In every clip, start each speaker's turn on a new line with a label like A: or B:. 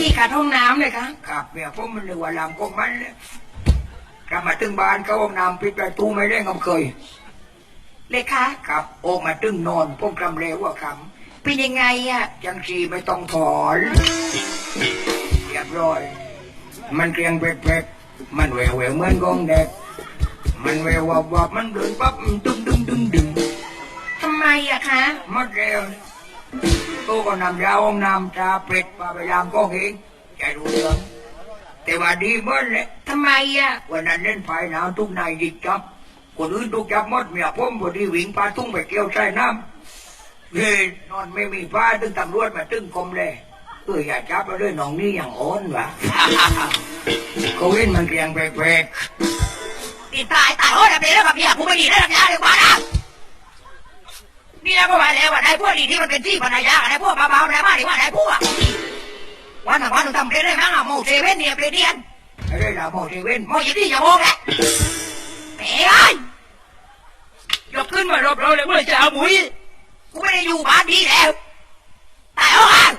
A: ขาดห้องน้ำเลยคะ
B: ครับเนี่ยผมมันเรียกว่าลำกงมันเลยกลับมาถึงบ้านก็ห้องน้ำปิดประตูไม่ได้งเคย
A: เลยคะ
B: ครับออกมาตึงนอนผมกำเร็วว่าค
A: ำเป็นยังไงอ่ะ
B: จังสีไม่ต้องถอนเรียบร้อยมันเกรียงเป๊กๆมันแหววเหมือนกองเด็กมันแวววับมันเดินปั๊บดึง
A: ทำไมอะคะ
B: มัดเร็วตัวก็นำยาห้องน้ำชาเป็ดปลาไปยางก็เองใจรู้เรื่องแต่ว่าดีเมื่อเลย
A: ทำไมอะ
B: วันนั้นเล่นไฟหนาวทุกนายดิจับคนอื่นทุกจับมดเมียผมพอดีวิ่งปลาตุ้งไปเกี่ยวใส่น้ำเฮ้ยนอนไม่มีฟ้าตึงตำรวจมาตึงกรมเลยอย่าจับมาด้วยน้องนี่อย่างโอนวะเขาเห็นมันเกรียงแปลก
A: ตีตายโอ้ยเป็นแล้วกับเมียกูไม่ดีได้รับยาเลยกว่านะเนี่ยก็มาแล้วว่าได้พวกดีที่มันเป็นที่ภรรยาได้พวกเบาๆได้มากดีว่าได้พวกวันหนึ่งทำได้มั้งโมเซเว่นเนี่ยเปลี่ยน
B: ได้ละโมเซเว่น
A: โมยี่ที่อย่าโมกแหละเฮ้ยยกขึ้นมารบเราเลยเมื่อจะเอาหมุยกูไม่ได้อยู่บ้านดีแล้วตายแล้ว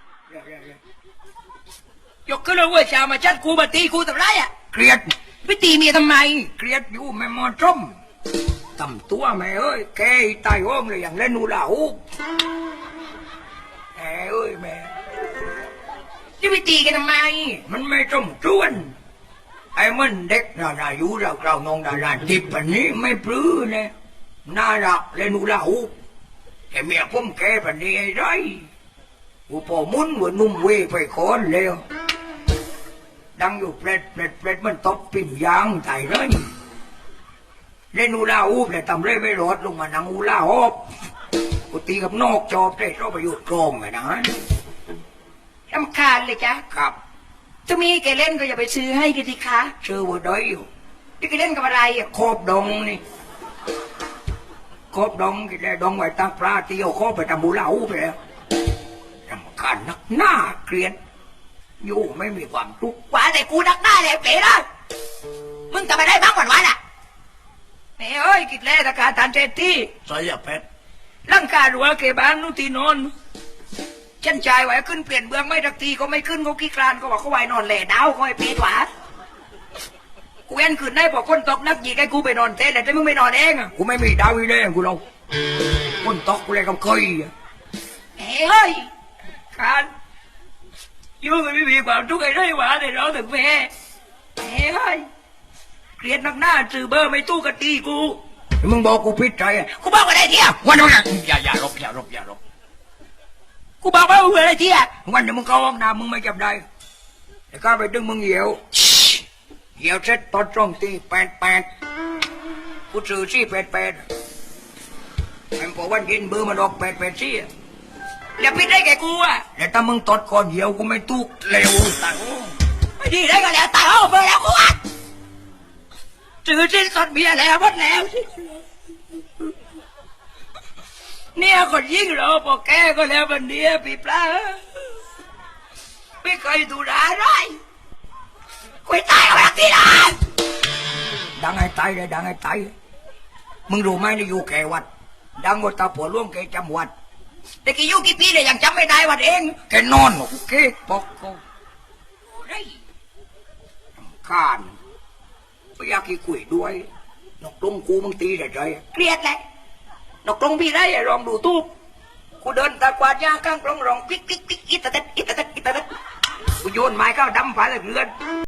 A: ยกขึ้นแล้วเมื่อจะมาชัดกูมาตีกูทำไรอ่ะ
B: เกลียด
A: ไปตีเมียทำไม
B: เกลียดอยู่แม่มอจมทำตัวแม่เอ้ยแกตายโอ้มเลยอย่างเล่นนูลาหูแม่เอ้ยแม่
A: จะไปตีกันทำไม
B: มันไม่จมจวนไอ้มันเด็กน่าอยู่เรานองดาราทิพย์แบบนี้ไม่ปลื้มเนี่ยน่ารักเล่นนูลาหูแต่เมียผมแกแบบนี้ไอ้ไรกูพอมุนว่านุ่มเวไปคอนเร็วดังอยู่เปรตมันตบปิ่มยางตายเลยเล่นอูลาอูบเลยทำเร่ไม่รอดลงมานังอูลาฮอบกูตีกับนอกจอบได้เราไปอยู่ตรงไงนะ
A: รำคาญเลยจ้ะ
B: ครับ
A: จะมีแกเล่นก็อย่าไปซื้อให้กันสิคะ
B: ซื้อว่าได้อยู่
A: ที่แกเล่นกับอะไรอ่ะ
B: ครบดองนี่ครบดองกินได้ดองไว้ตาปลาเตียวครบไปทำอูลาอูบไปแล้วรำคาญนักหน้าเกลียดอยู่ไม่มีความทุกข์
A: ว่าแต่กูนักหน้าเลยเป๋นะมึงจะไปได้บ้างวันอ่ะแม่เอ้ยกิดแล่ตะการทานเจตี้
B: ใส่ยาเพชร
A: ร่างกายรัวเก็บบ้านนู่นตีนอนฉันชายไหวขึ้นเปลี่ยนเบื้องไม่ทักทีก็ไม่ขึ้นเขาขี้คลานก็บอกเขาไหวนอนแหล่ดาวคอยเปียดหวากูเอ็นขึ้นได้บอกคนตกนักยีไอ้กูไปนอนเต้แต่มึงไม่นอนเองอ่ะ
B: กูไม่มีดาวอีเล่กูเราคนตกกูเลยกับเคย
A: เฮ้ยคานยุ่งไม่มีความทุกข์อะไรหวาแต่เราถึงแม่เฮ้ยเกลียดนักหน้าสื่อเบอร์ไม่ตู้กะตีกู
B: มึงบอกกูพิจใจ
A: กูบอกอะไรเที่ย
B: วันนี้อย่ารบ
A: กูบอกว่าอะไรเที่ย
B: วันนี้มึงเข้าห้องน้ำมึงไม่จับได้แต่ข้าไปดึงมึงเหี่ยวเสร็จตอนตรงตี8กูซื้อซี่8ไอ้พอวันยินเบอร์มันออก8ซี่
A: อย่าพิดได้แกกูอ่ะ
B: แต่ถ้ามึงตดก่อนเหี่ยวกูไม่ตุกเร็วตัง
A: ไม่ดีได้ก็แล้วตายเอาเบอร์แล้วกูอ่ะซื้อซี่สดเบียร์แล้วหมดแล้วเนี่ยคนยิ่งเราพอแกก็แล้ววันนี้ปีปลาไม่เคยดูร้ายไรคุยตายเอาแบบที่ไหน
B: ดังไอ้ตายเลยดังไอ้ตายมึงรู้ไหมนี่อยู่แกวัดดังกว่าตาผัวล่วงแกจำวัด
A: แต่กี่ยุกี่ปีเลยยังจำไม่ได้วัดเอง
B: แกนอนโอเคปอกกูข้านไม่อยากให้คุยด้วยนกตรงกูมึงตีได้ใจ
A: เครียดแหละนกตรงพี่ได้ลองดูตู้กูเดินตะกวาดยาข้างกลองร้องปิ๊กอิตาเต็ดกูโยนไม้เข้าดำฝาเลยเรือน